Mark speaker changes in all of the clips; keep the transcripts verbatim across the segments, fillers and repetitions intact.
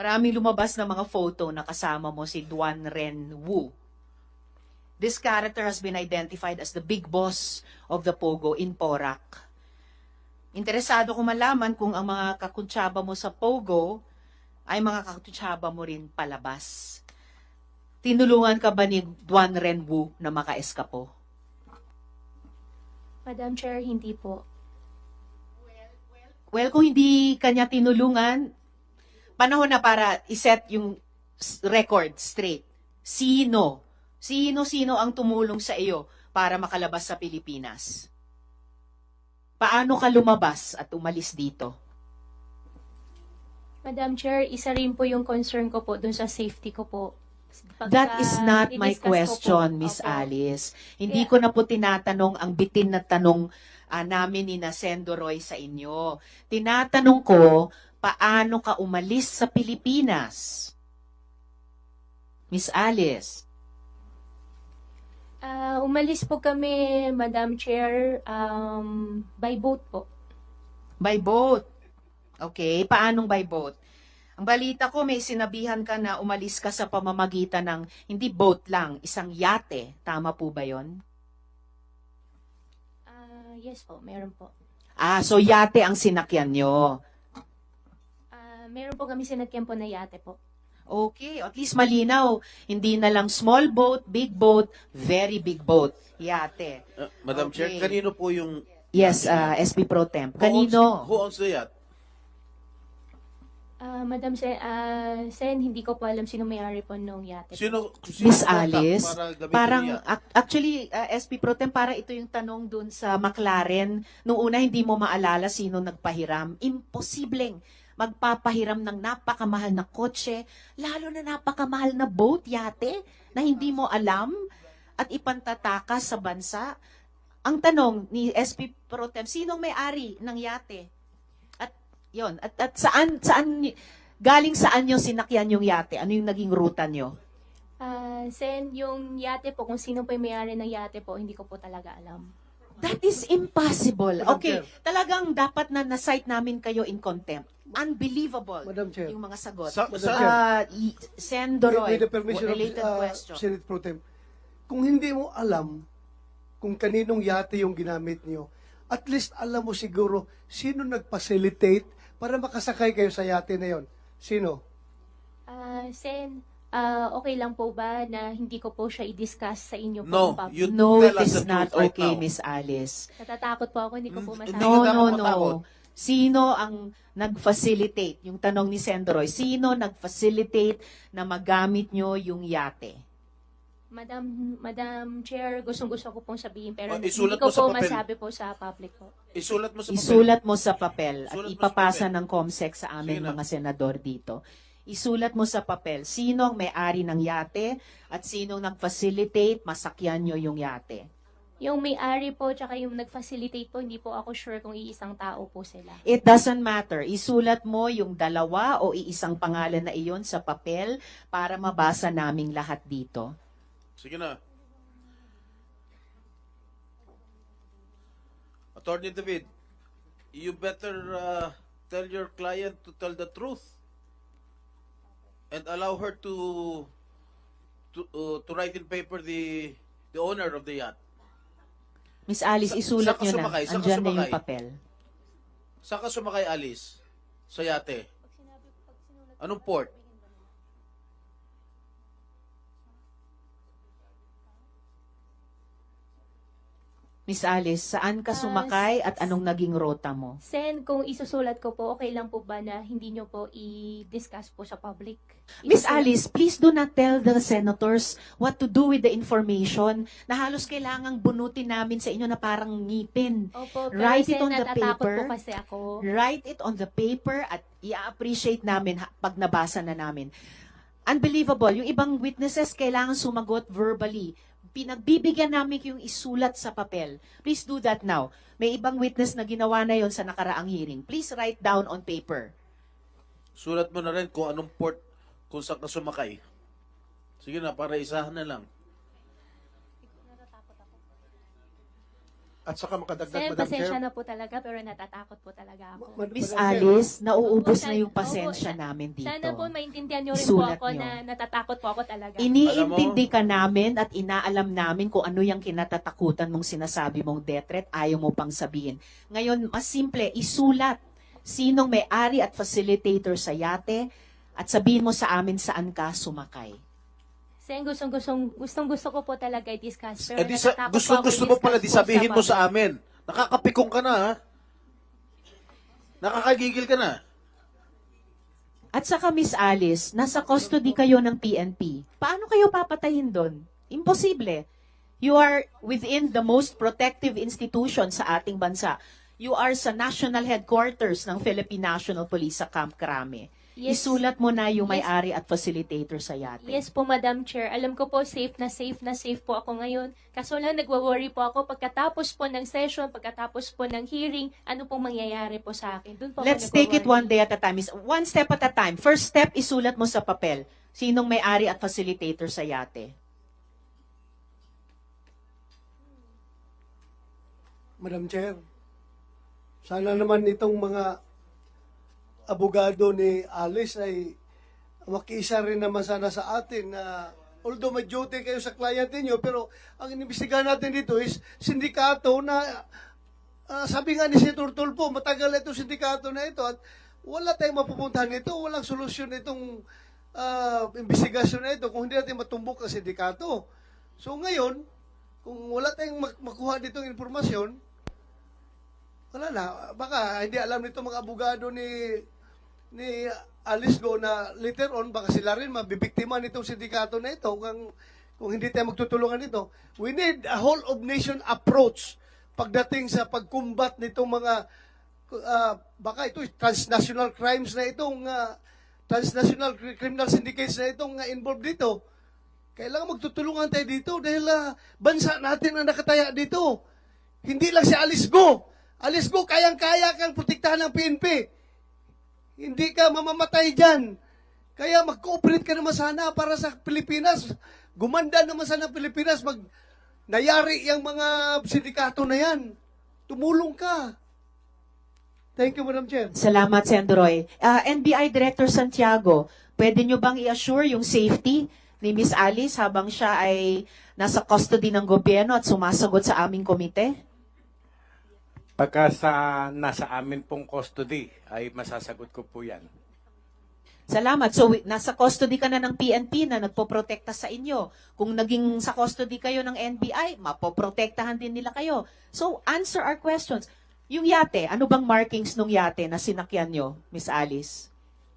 Speaker 1: Maraming lumabas na mga photo na kasama mo si Duan Ren Wu. This character has been identified as the big boss of the Pogo in Porac. Interesado ko malaman kung ang mga kakuntsaba mo sa Pogo ay mga kakuntsaba mo rin palabas. Tinulungan ka ba ni Duan Ren Wu na makaeskapo?
Speaker 2: Madam Chair, hindi po.
Speaker 1: Well, kung hindi kanya tinulungan, panahon na para iset yung s- record straight. Sino? Sino-sino ang tumulong sa iyo para makalabas sa Pilipinas? Paano ka lumabas at umalis dito?
Speaker 2: Madam Chair, isa rin po yung concern ko po dun sa safety ko po. Pagka
Speaker 1: That is not my
Speaker 2: didiscuss ko po-
Speaker 1: question, Miss
Speaker 2: Opo.
Speaker 1: Alice. Hindi
Speaker 2: Kaya-
Speaker 1: ko na po tinatanong ang bitin na tanong ah, namin ni na Sendo Roy sa inyo. Tinatanong ko, paano ka umalis sa Pilipinas? Miss Alice.
Speaker 2: Ah, umalis po kami, Madam Chair, um, by boat po.
Speaker 1: By boat. Okay, paanong by boat? Ang balita ko, may sinabihan ka na umalis ka sa pamamagitan ng, hindi boat lang, isang yate. Tama po ba yon?
Speaker 2: Ah, yes po, meron po.
Speaker 1: Ah, so yate ang sinakyan nyo.
Speaker 2: Ah, meron po kami sinakyan po na yate po.
Speaker 1: Okay, at least malinaw. Hindi na lang small boat, big boat, very big boat. Yate.
Speaker 3: Uh, Madam
Speaker 1: Okay.
Speaker 3: Chair, kanino po yung...
Speaker 1: Yes, uh, S P Pro Temp.
Speaker 3: Who owns-
Speaker 1: Kanino?
Speaker 3: Who owns the yacht?
Speaker 2: Ah, Madam Sen, ah, Sen, hindi ko po alam sino may-ari po nung yate. po.
Speaker 3: Sino, sino
Speaker 1: Miss
Speaker 3: contact
Speaker 1: Alice,
Speaker 3: para gamitin
Speaker 1: parang
Speaker 3: yung yacht?
Speaker 1: ac- actually uh, S P Pro Tem, para ito yung tanong dun sa McLaren. Nung una hindi mo maalala sino nagpahiram. Imposibleng magpapahiram ng napakamahal na kotse, lalo na napakamahal na boat, yate, na hindi mo alam at ipantatakas sa bansa. Ang tanong ni S P Pro Tem, sinong may-ari ng yate? At yon, at, at saan saan galing saan yung sinakyan yung yate? Ano yung naging ruta nyo?
Speaker 2: Ah, Sen, yung yate po, kung sino po yung may-ari ng yate po, hindi ko po talaga alam.
Speaker 1: That is impossible.
Speaker 4: Madam
Speaker 1: Okay,
Speaker 4: Chair.
Speaker 1: talagang dapat na na-cite namin kayo in contempt. Unbelievable.
Speaker 4: Madam Chair.
Speaker 1: Yung mga sagot.
Speaker 3: Sa-
Speaker 4: Madam
Speaker 3: sa-
Speaker 4: Chair.
Speaker 1: Uh, Sendoroy,
Speaker 4: With the permission of
Speaker 1: related
Speaker 4: uh,
Speaker 1: question.
Speaker 4: Senate Pro Tem, kung hindi mo alam kung kaninong yate yung ginamit niyo, at least alam mo siguro sino nag-facilitate para makasakay kayo sa yate na yon. Sino?
Speaker 2: Ah, Sen, ah, okay lang po ba na hindi ko po siya i-discuss sa inyo po?
Speaker 3: No,
Speaker 2: in public?
Speaker 3: you
Speaker 1: No,
Speaker 3: tell
Speaker 1: it
Speaker 3: us
Speaker 1: is
Speaker 3: the
Speaker 1: not
Speaker 3: truth right
Speaker 1: okay,
Speaker 3: now.
Speaker 1: Miss Alice.
Speaker 2: Natatakot po ako, hindi ko po
Speaker 3: Mm,
Speaker 2: masabi.
Speaker 3: hindi
Speaker 1: No,
Speaker 3: ka
Speaker 1: no,
Speaker 3: dapat matakot.
Speaker 1: no. Sino ang nag-facilitate? Yung tanong ni Sendoroy, sino nag-facilitate na magamit nyo yung yate?
Speaker 2: Madam, Madam Chair, gustong-gusto ko pong sabihin, pero
Speaker 3: Oh,
Speaker 2: hindi
Speaker 3: isulat
Speaker 2: ko
Speaker 3: mo sa
Speaker 2: po
Speaker 3: papel.
Speaker 2: masabi po sa public po.
Speaker 3: Isulat mo sa papel.
Speaker 1: Isulat mo sa papel at
Speaker 3: Isulat mo sa
Speaker 1: ipapasa
Speaker 3: papel.
Speaker 1: ng COMSEC sa aming
Speaker 3: Sige na.
Speaker 1: mga senador dito. Isulat mo sa papel sino ang may-ari ng yate at sino nag-facilitate masakyan nyo yung yate.
Speaker 2: Yung may-ari po, tsaka yung nag-facilitate po, hindi po ako sure kung iisang tao po sila.
Speaker 1: It doesn't matter. Isulat mo yung dalawa o iisang pangalan na iyon sa papel para mabasa naming lahat dito.
Speaker 3: Sige na. Attorney David, you better uh, tell your client to tell the truth and allow her to to uh, to write in paper the the owner of the yacht.
Speaker 1: Miss Alice,
Speaker 3: Sa-
Speaker 1: isulat
Speaker 3: saan ka
Speaker 1: nyo na.
Speaker 3: sumakay? Saan ka
Speaker 1: Andyan na yung
Speaker 3: sumakay?
Speaker 1: papel.
Speaker 3: Saan ka sumakay, Alice? Sa yate? Anong port?
Speaker 1: Miss Alice, saan ka
Speaker 2: Ah,
Speaker 1: sumakay at anong naging rota mo?
Speaker 2: Sen, kung isusulat ko po, okay lang po ba na hindi nyo po i-discuss po sa public?
Speaker 1: Miss
Speaker 2: Isusulat-
Speaker 1: Alice, please do not tell the senators what to do with the information na halos kailangang bunutin namin sa inyo na parang ngipin.
Speaker 2: Opo, pero
Speaker 1: Write it
Speaker 2: Sen,
Speaker 1: on the
Speaker 2: natatakot
Speaker 1: paper.
Speaker 2: po kasi ako.
Speaker 1: Write it on the paper at i-appreciate namin ha- pag nabasa na namin. Unbelievable. Yung ibang witnesses kailangan sumagot verbally. Pinagbibigyan namin yung isulat sa papel. Please do that now. May ibang witness na ginawa na yon sa nakaraang hearing. Please write down on paper.
Speaker 3: Sulat mo na rin kung anong port, kung saan ka sumakay. Sige na, para isahan na lang.
Speaker 5: At saka makadagdag,
Speaker 2: Sen,
Speaker 5: Madam
Speaker 2: pasensya
Speaker 5: Chair.
Speaker 2: na po talaga, pero natatakot po talaga ako.
Speaker 4: Ma-
Speaker 1: Miss
Speaker 4: Madam Chair,
Speaker 1: Alice, nauubos
Speaker 2: Opo,
Speaker 1: na yung
Speaker 2: opo,
Speaker 1: pasensya
Speaker 2: sa-
Speaker 1: namin dito.
Speaker 2: Sana po maintindihan niyo rin
Speaker 1: Isulat
Speaker 2: po ako
Speaker 1: niyo.
Speaker 2: na natatakot po ako talaga.
Speaker 1: Iniintindi ka namin at inaalam namin kung ano yung kinatatakutan mong sinasabi mong death threat, ayaw mo pang sabihin. Ngayon, mas simple, isulat sinong may-ari at facilitator sa yate at sabihin mo sa amin saan ka sumakay.
Speaker 2: Sen, gustong, gustong, gustong gusto ko po talaga i-discuss. Pero
Speaker 3: Eh, di sa,
Speaker 2: natatakot
Speaker 3: gusto,
Speaker 2: po ako
Speaker 3: gusto mo pala, di
Speaker 2: i-discuss po
Speaker 3: sabihin mo sa
Speaker 2: public.
Speaker 3: amin. Nakakapikong ka na, ha? Nakakagigil ka na.
Speaker 1: At saka Miss Alice, nasa custody kayo ng P N P. Paano kayo papatayin doon? Imposible. You are within the most protective institution sa ating bansa. You are sa national headquarters ng Philippine National Police sa Camp Crame.
Speaker 2: Yes.
Speaker 1: Isulat mo na yung
Speaker 2: Yes.
Speaker 1: may-ari at facilitator sa yate.
Speaker 2: Yes po, Madam Chair. Alam ko po, safe na safe na safe po ako ngayon. Kaso lang, nagwa-worry po ako pagkatapos po ng session, pagkatapos po ng hearing, ano pong mangyayari po sa akin. Doon po
Speaker 1: Let's
Speaker 2: ako
Speaker 1: take it one
Speaker 2: nagwa-worry.
Speaker 1: day at a time. Is- One step at a time. First step, isulat mo sa papel. Sinong may-ari at facilitator sa yate?
Speaker 4: Madam Chair, sana naman itong mga abogado ni Alice ay makiisa rin naman sana sa atin na although may duty kayo sa client niyo, pero ang inimbestigahan natin dito is sindikato na ah, sabi nga ni Senator Tulfo, matagal na itong sindikato na ito at wala tayong mapupuntahan nito, walang solusyon itong ah, investigasyon na ito kung hindi natin matumbok ang sindikato. So ngayon, kung wala tayong mak- makuha ditong informasyon, wala na. Baka hindi alam nito mga abogado ni ni Alice Go na later on, baka sila rin mabibiktima nitong sindikato na ito kung, kung hindi tayo magtutulungan nito. We need a whole of nation approach pagdating sa pagkumbat nitong mga ah, baka ito transnational crimes na itong ah, transnational cri- criminal syndicates na itong ah, involved dito. Kailangan magtutulungan tayo dito dahil ah, bansa natin ang nakataya dito. Hindi lang si Alice Go. Alice Go, kayang-kaya kang protektahan ng P N P. Hindi ka mamamatay dyan. Kaya mag-cooperate ka naman sana para sa Pilipinas. Gumanda naman sana ang Pilipinas. Mag nayari yung mga sindikato na yan. Tumulong ka. Thank you, Madam Chair.
Speaker 1: Salamat, Senator Roy. Ah, N B I Director Santiago, pwede nyo bang i-assure yung safety ni Miss Alice habang siya ay nasa custody ng gobyerno at sumasagot sa aming komite?
Speaker 6: Pagka sa nasa amin pong custody, ay masasagot ko po yan.
Speaker 1: Salamat. So, wi- nasa custody ka na ng P N P na nagpoprotekta sa inyo. Kung naging sa custody kayo ng N B I, mapoprotektahan din nila kayo. So, answer our questions. Yung yate, ano bang markings nung yate na sinakyan nyo, Miss Alice?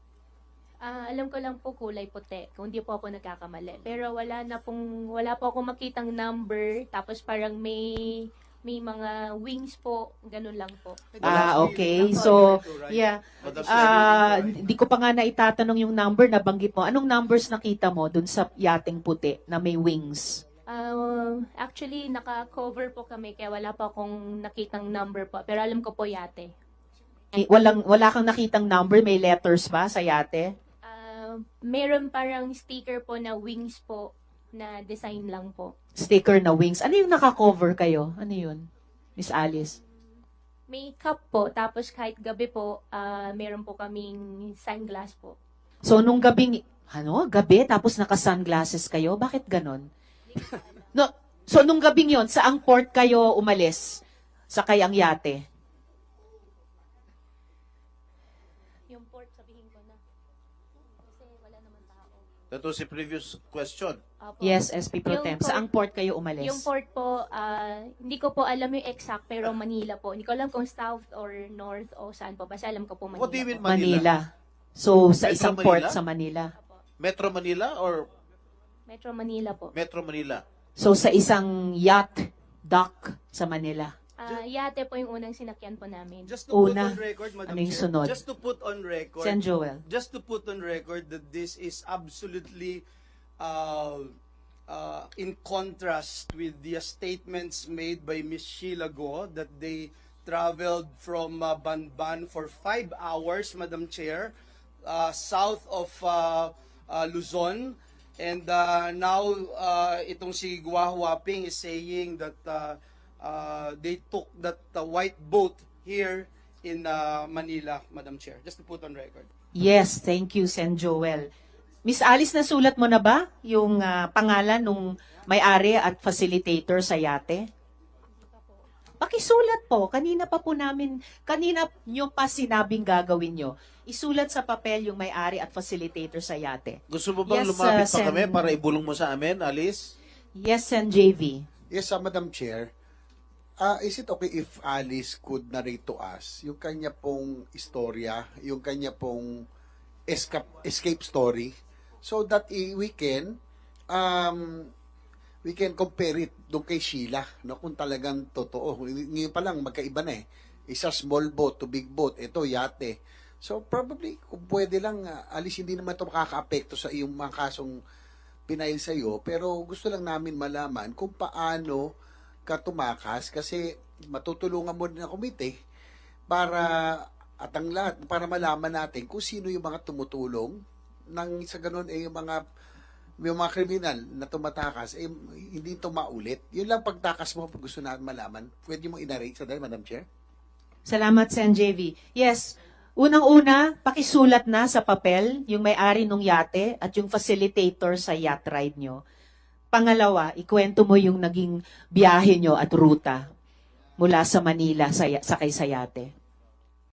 Speaker 2: Ah, alam ko lang po kulay puti, kung hindi po ako nagkakamali. Pero wala na pong, wala po ako makitang number, tapos parang may, may mga wings po, ganun lang po.
Speaker 1: Ah, okay. So, yeah.
Speaker 3: Madam
Speaker 1: Ah,
Speaker 3: Chair,
Speaker 1: hindi ko pa nga naitatanong yung number na banggit mo. Anong numbers nakita mo dun sa yating puti na may wings?
Speaker 2: Ah, actually, naka-cover po kami, kaya wala pa akong nakitang number po. Pero alam ko po yate.
Speaker 1: Eh, walang, wala kang nakitang number, may letters ba sa yate?
Speaker 2: Ah, meron parang sticker po na wings po, na design lang po.
Speaker 1: Sticker na wings. Ano yung naka-cover kayo? Ano yun, Miss Alice?
Speaker 2: May cup po, tapos kahit gabi po, ah, meron po kaming sunglass po.
Speaker 1: So, nung gabing, ano, gabi, tapos naka-sunglasses kayo? Bakit ganon? No, so, nung gabing yon, saang port kayo umalis? Sa kayang yate?
Speaker 2: Yung port, sabihin ko na. Kasi wala naman tao.
Speaker 3: that was a previous question.
Speaker 2: Opo.
Speaker 1: Yes, S P Pro
Speaker 2: Yung
Speaker 1: Tem.
Speaker 2: port-
Speaker 1: Saang port kayo umalis?
Speaker 2: Yung port po, ah, hindi ko po alam yung exact, pero Manila po. Hindi ko alam kung south or north o saan po. Basta alam ko po Manila
Speaker 3: What do you mean
Speaker 2: po.
Speaker 3: Manila?
Speaker 1: Manila. So, sa
Speaker 3: Metro
Speaker 1: isang
Speaker 3: Manila?
Speaker 1: port sa Manila.
Speaker 2: Opo.
Speaker 3: Metro Manila or
Speaker 2: Metro Manila po.
Speaker 3: Metro Manila?
Speaker 1: So, sa isang yacht dock sa Manila.
Speaker 2: Ah, yate po yung unang sinakyan po namin.
Speaker 7: Just to
Speaker 1: Una,
Speaker 7: put on record, Madam
Speaker 1: ano yung
Speaker 7: Chair,
Speaker 1: sunod?
Speaker 7: just to put on record,
Speaker 1: Sen Joel.
Speaker 7: just to put on record that this is absolutely uh, uh, in contrast with the statements made by Miss Sheila Go that they traveled from uh, Banban for five hours, Madam Chair, uh, south of uh, uh, Luzon. And uh, now, uh, itong si Gua Huaping is saying that uh, uh, they took that uh, white boat here in uh, Manila, Madam Chair. Just to put on record.
Speaker 1: Yes, thank you, Sen Joel. Miss Alice, nasulat mo na ba yung ah, pangalan nung may-ari at facilitator sa yate? Pakisulat po. Kanina pa po namin, kanina nyo pa sinabing gagawin nyo. Isulat sa papel yung may-ari at facilitator sa yate.
Speaker 3: Gusto mo bang
Speaker 1: Yes,
Speaker 3: lumapit
Speaker 1: uh,
Speaker 3: pa kami
Speaker 1: Sen-
Speaker 3: para ibulong mo sa amin, Alice?
Speaker 1: Yes, Sen J V.
Speaker 5: Yes, uh, Madam Chair. Uh, is it okay if Alice could narrate to us yung kanya pong istorya, yung kanya pong escape, escape story, so that eh, we can um, we can compare it doon kay Sheila, no, kung talagang totoo. Ngayon pa lang magkaiba na eh. Isa small boat to big boat, ito yate. So probably kung pwede lang, uh, Alice, hindi naman ito makaka-apekto sa iyong mga kasong pinail sa iyo, pero gusto lang namin malaman kung paano ka tumakas, kasi matutulungan mo din ang komite para at ang lahat para malaman natin kung sino yung mga tumutulong nang sa ganun eh yung mga yung mga kriminal na tumatakas eh hindi ito maulit. Yun lang pagtakas mo pag gusto natin malaman. Pwede mo i-narrate sa dahil, Madam Chair?
Speaker 1: Salamat, Sen J V. Yes, unang-una, pakisulat na sa papel yung may-ari ng yate at yung facilitator sa yacht ride nyo. Pangalawa, ikwento mo yung naging biyahe nyo at ruta mula sa Manila sa, sakay sa yate.